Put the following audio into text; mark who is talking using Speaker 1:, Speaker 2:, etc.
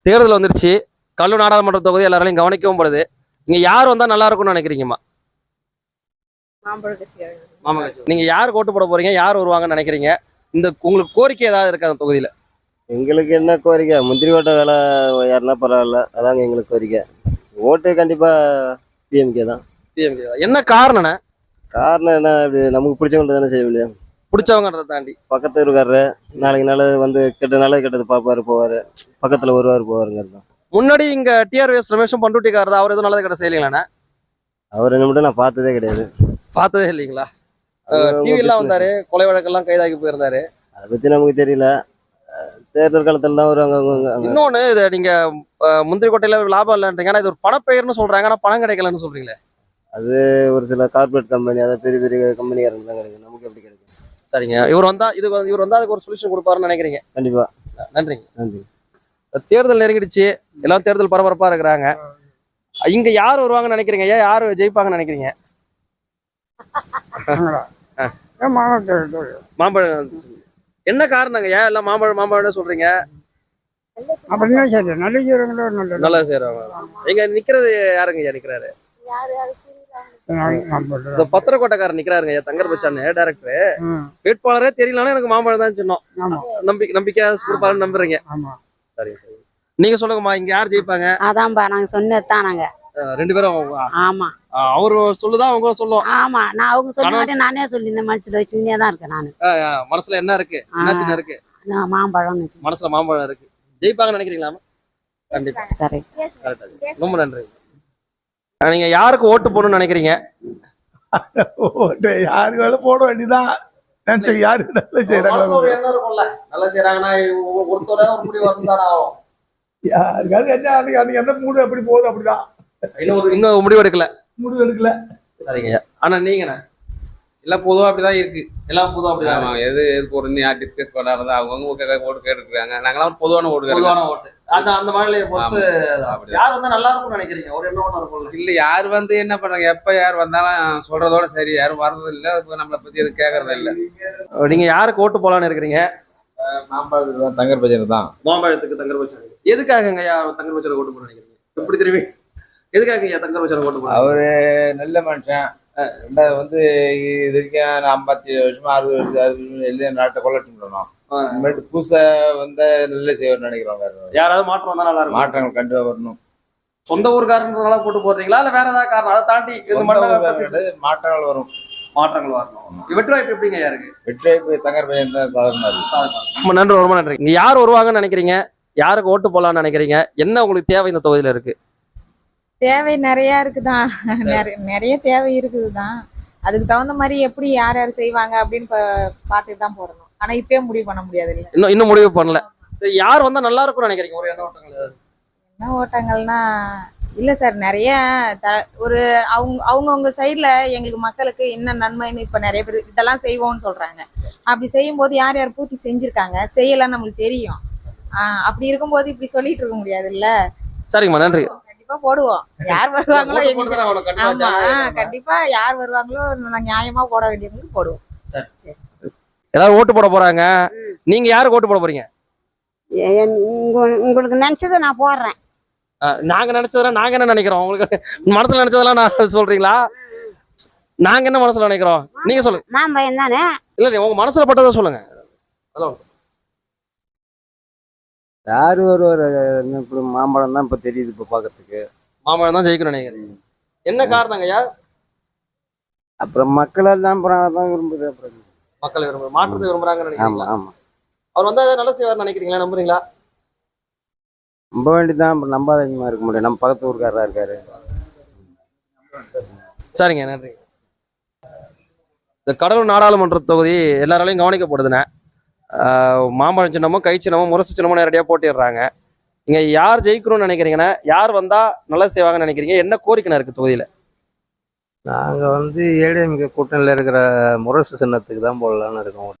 Speaker 1: தேர்தல் வந்துருச்சு. கடலூர் நாடாளுமன்ற தொகுதி எல்லாராலையும் கவனிக்கவும் படுது. இங்க யார் வந்தா நல்லா இருக்கும்னு நினைக்கிறீங்கம்மா?
Speaker 2: மாம்பழ கட்சி.
Speaker 1: மாமா கட்சி. நீங்க யாருக்கு ஓட்டு போட போறீங்க? யார் வருவாங்கன்னு நினைக்கிறீங்க? இந்த உங்களுக்கு கோரிக்கை ஏதாவது இருக்கா அந்த தொகுதியில?
Speaker 3: எங்களுக்கு என்ன கோரிக்கை, முந்திரி ஓட்ட வேலை யாருன்னா பரவாயில்ல, அதாங்க எங்களுக்கு கோரிக்கை. ஓட்டு கண்டிப்பா பிஎம்கே தான்.
Speaker 1: டிஎம்கே. என்ன காரணம்ண்ணே?
Speaker 3: காரணம் என்ன, இப்படி நமக்கு பிடிச்சவங்க தானே செய்ய முடியும்.
Speaker 1: பிடிச்சவங்கன்றதை தாண்டி
Speaker 3: பக்கத்து இருக்காரு, நாளைக்கு நாள் வந்து நல்லது கெட்டது பார்ப்பாரு போவாரு, பக்கத்துல வருவாரு போவாருங்கிறது தான்.
Speaker 1: முன்னாடி இங்க டிஆர்எஸ் ரமேஷும் பண்ருட்டிக்காரர் அவர் எதுவும் நல்லது கிட்ட செய்யலீங்களாண்ணே?
Speaker 3: அவர் என்ன மட்டும் நான் பார்த்ததே கிடையாது.
Speaker 1: பார்த்ததே இல்லைங்களா?
Speaker 3: அவங்க
Speaker 1: டிவி எல்லாம்
Speaker 3: business.
Speaker 1: வந்தாரு, கொலை வழக்கெல்லாம் கைதாகி போயிருந்தாரு.
Speaker 3: அதை பத்தி நமக்கு தெரியல. தேர்தல் காலத்துல தான் வருவாங்க அவங்க.
Speaker 1: இன்னொன்னு இதை நீங்க முந்திரி கொட்டையில லாபம் இல்லைன்றீங்க, ஆனா இது ஒரு பணப்பெயர்னு சொல்றாங்க, ஆனா பணம் கிடைக்கலன்னு சொல்றீங்களே.
Speaker 3: அது ஒரு சில கார்பரேட் கம்பெனி, அதாவது பெரிய பெரிய கம்பெனிக்காரங்க தான் கிடைக்கும், நமக்கு எப்படி கிடைக்கும்?
Speaker 1: சரிங்க, இவர் வந்தா இவர் வந்தா அதுக்கு ஒரு சொல்யூஷன் கொடுப்பாருன்னு நினைக்கிறீங்க?
Speaker 3: கண்டிப்பா.
Speaker 1: நன்றிங்க.
Speaker 3: நன்றி.
Speaker 1: தேர்தல் நெருங்கிடுச்சு, எல்லாம் தேர்தல் பரபரப்பா இருக்கிறாங்க. இங்க யார் வருவாங்கன்னு நினைக்கிறீங்க? ஏன் யார் ஜெயிப்பாங்கன்னு நினைக்கிறீங்க? மாம்பழம். என்ன காரணங்க ஏன் எல்லாம் மாம்பழம் சொல்றீங்க?
Speaker 4: அப்படின்னா சரி, நல்ல செய்யறவங்களோ நல்லது.
Speaker 1: நல்லா செய்யறாங்க. எங்க நிக்கிறது யாருங்க ஐயா நிக்கிறாரு? இந்த பத்திரக்கோட்டைக்காரர் நிக்கிறாருங்க ஐயா, தங்கர் பச்சான்னு டைரக்டர். வேட்பாளரே தெரியலன்னா எனக்கு மாம்பழம் தான் சொன்னோம். நம்பிக்கையா கொடுப்பாருன்னு நம்புறீங்க? சரி சரி. நீங்க சொல்லுங்கம்மா, இங்க யார் ஜெயிப்பாங்க?
Speaker 2: அதான்பா நாங்க சொன்னதுதான். நாங்க
Speaker 1: ரெண்டு பேரும்.
Speaker 2: ஆமா,
Speaker 1: அவரு சொல்லுதான் அவங்க சொல்லுவோம்.
Speaker 2: ஆமா, நான் அவங்க சொல்ல மாட்டேன், நானே சொல்லி இந்த மனசுல வச்சுட்டே தான் இருக்கேன் நானு.
Speaker 1: மனசுல என்ன இருக்கு? என்ன சின்ன இருக்கு?
Speaker 2: மாம்பழம்
Speaker 1: மனசுல மாம்பழம் இருக்கு. ஜெயிப்பாங்கன்னு நினைக்கிறீங்களா? கண்டிப்பா. ரொம்ப நன்றி. நீங்க யாருக்கு ஓட்டு போடணும்னு நினைக்கிறீங்க?
Speaker 4: யாருக்கு வேலை போட வேண்டியதான். யாரு நல்லா செய்யறாங்க,
Speaker 1: நல்லா செய்யறாங்கன்னா ஒருத்தர ஒரு முடிவு வரணும்.
Speaker 4: யாருக்காவது என்ன அன்னைக்கு எந்த மூடு எப்படி போகுது அப்படிதான்.
Speaker 1: இன்னும் முடிவு எடுக்கல.
Speaker 4: சரிங்க.
Speaker 1: ஆனா நீங்கண்ணா எல்லாம் பொதுவா அப்படிதான் இருக்கு. எல்லாம் பொதுவா அப்படிதான்.
Speaker 5: எது போறதுன்னு யார் டிஸ்கஸ் பண்ணாரதா அவங்க ஓட்டு கேட்டுருக்காங்க. நாங்களாம் பொதுவான ஓட்டு.
Speaker 1: அந்த மாநிலையை பொறுத்து யார் வந்தா நல்லா இருக்கும்னு நினைக்கிறீங்க? ஒரு என்ன ஓட்டம் இருக்கும்ல.
Speaker 5: இல்ல, யார் வந்து என்ன பண்றாங்க, எப்ப யார் வந்தாலும் சொல்றதோட சரி, யாரும் வர்றது இல்ல, நம்மளை பத்தி எதுவும் கேட்கறது இல்ல.
Speaker 1: நீங்க யாருக்கு ஓட்டு போலான்னு இருக்கிறீங்க?
Speaker 5: மாம்பழத்துக்கு தான், தங்கர் பச்சனுக்கு தான்.
Speaker 1: மாம்பழத்துக்கு தங்கர் பச்சன். எதுக்காகங்க தங்கர் பச்சனை ஓட்டு போட நினைக்கிறீங்க? எப்படி திரும்பி எதுக்காக தங்கர் பச்சனை ஓட்டு போட?
Speaker 5: அவரு நல்ல மனுஷன். ரெண்டாவது வந்து இது வரைக்கும் 57 வருஷமா 60 வருஷம் எல்லாம் நாட்டை கொள்ளட்டும் பண்ணணும். புதுசா வந்து நல்ல செய்யணும்னு நினைக்கிறோம்.
Speaker 1: யாராவது மாற்றம் வந்தா நல்லா இருக்கும்.
Speaker 5: மாற்றங்கள் கண்டிப்பா வரணும்.
Speaker 1: சொந்த ஊருக்காரனால போட்டு போடுறீங்களா இல்ல வேற ஏதாவது காரணம் அதை தாண்டி
Speaker 5: மாற்றங்கள் வரும்.
Speaker 1: மாற்றங்கள் வரணும். வெற்றி வாய்ப்பு எப்படிங்க யாருக்கு?
Speaker 5: வெற்றி வாய்ப்பு தங்கர் பையன் தான் சாதனை.
Speaker 1: ரொம்ப நன்றி, ரொம்ப நன்றி. இங்க யார் வருவாங்கன்னு நினைக்கிறீங்க? யாருக்கு ஓட்டு போடலாம்னு நினைக்கிறீங்க? என்ன உங்களுக்கு தேவை இந்த தொகுதியில இருக்கு?
Speaker 6: தேவை நிறைய இருக்குதான். நிறைய தேவை இருக்குதுதான். அதுக்கு தகுந்த மாதிரி எப்படி யார் யார் செய்வாங்க அப்படின்னு பார்த்துட்டு தான் போடணும். ஆனா இப்பயே முடிவு பண்ண முடியாது. இல்ல,
Speaker 1: இன்னும் முடிவு பண்ணல. யார் வந்தா நல்லா இருக்கும்னு நினைக்கிறீங்க? ஒரு எண்ண ஓட்டங்கள்.
Speaker 6: என்ன ஓட்டங்கள்னா இல்ல சார், நிறைய ஒரு அவங்கவுங்க சைட்ல எங்களுக்கு மக்களுக்கு என்ன நன்மைன்னு இப்ப நிறைய பேர் இதெல்லாம் செய்வோம்னு சொல்றாங்க. அப்படி செய்யும் போது யார் யார் பூர்த்தி செஞ்சிருக்காங்க, செய்யலாம் நம்மளுக்கு தெரியும். அப்படி இருக்கும்போது இப்படி சொல்லிட்டு இருக்க முடியாது இல்ல.
Speaker 1: சரிங்கம்மா, நன்றி.
Speaker 6: போடுவோம். யார் வருவாங்களோ ஆமா, கண்டிப்பா யார் வருவாங்களோ நியாயமா போட வேண்டியவங்களுக்கு போடுவோம்.
Speaker 1: எல்லாரும் ஓட்டு போட போறாங்க. நீங்க யாருக்கு ஓட்டு போட போறீங்க?
Speaker 2: உங்களுக்கு நினைச்சதை நான் போடுறேன்.
Speaker 1: நாங்க நினைச்சதெல்லாம் நாங்க என்ன நினைக்கிறோம்? உங்களுக்கு மனசுல நினைச்சதெல்லாம் நான் சொல்றீங்களா? நாங்க என்ன மனசுல நினைக்கிறோம் நீங்க சொல்லுங்க.
Speaker 2: மாம்பழம் தானே.
Speaker 1: இல்ல, உங்க மனசுல பட்டதை சொல்லுங்க.
Speaker 3: யாரு வருவாரு? இப்ப மாம்பழம் தான் இப்ப தெரியுது. இப்ப பாக்கிறதுக்கு
Speaker 1: மாம்பழம் தான் ஜெயிக்கணும் நினைக்கிறீங்க. என்ன காரணங்க ஐயா?
Speaker 3: அப்புறம் மக்கள் எல்லாம் தான் விரும்புது. அப்புறம்
Speaker 1: மக்கள் மாற்றத்தை விரும்புறாங்கன்னு நினைக்கிறீங்களா?
Speaker 3: ஆமா.
Speaker 1: அவர் வந்தா நல்லா செய்வார் நினைக்கிறீங்களா? நம்புறீங்களா?
Speaker 3: நம்ப வேண்டியதான். அப்புறம் நம்பாதமா இருக்க முடியும். நம்ம பக்கத்து ஊருக்காரரா இருக்காரு.
Speaker 1: சரிங்க, நன்றி. இந்த கடலூர் நாடாளுமன்ற தொகுதி எல்லாராலையும் கவனிக்கப்படுதுண்ணே. மாம்பழம் சின்னமும் கை சின்னமும் முரசு சின்னமும் நேரடியாக போட்டிடுறாங்க. இங்க யார் ஜெயிக்கணும்னு நினைக்கிறீங்கன்னா, யார் வந்தா நல்லா செய்வாங்கன்னு நினைக்கிறீங்க? என்ன கோரிக்கை இருக்கு தொகுதியில?
Speaker 3: நாங்க வந்து ஏடிஎம்கே கூட்டணியில இருக்கிற முரசு சின்னத்துக்கு தான் போடலான்னு இருக்கோம்.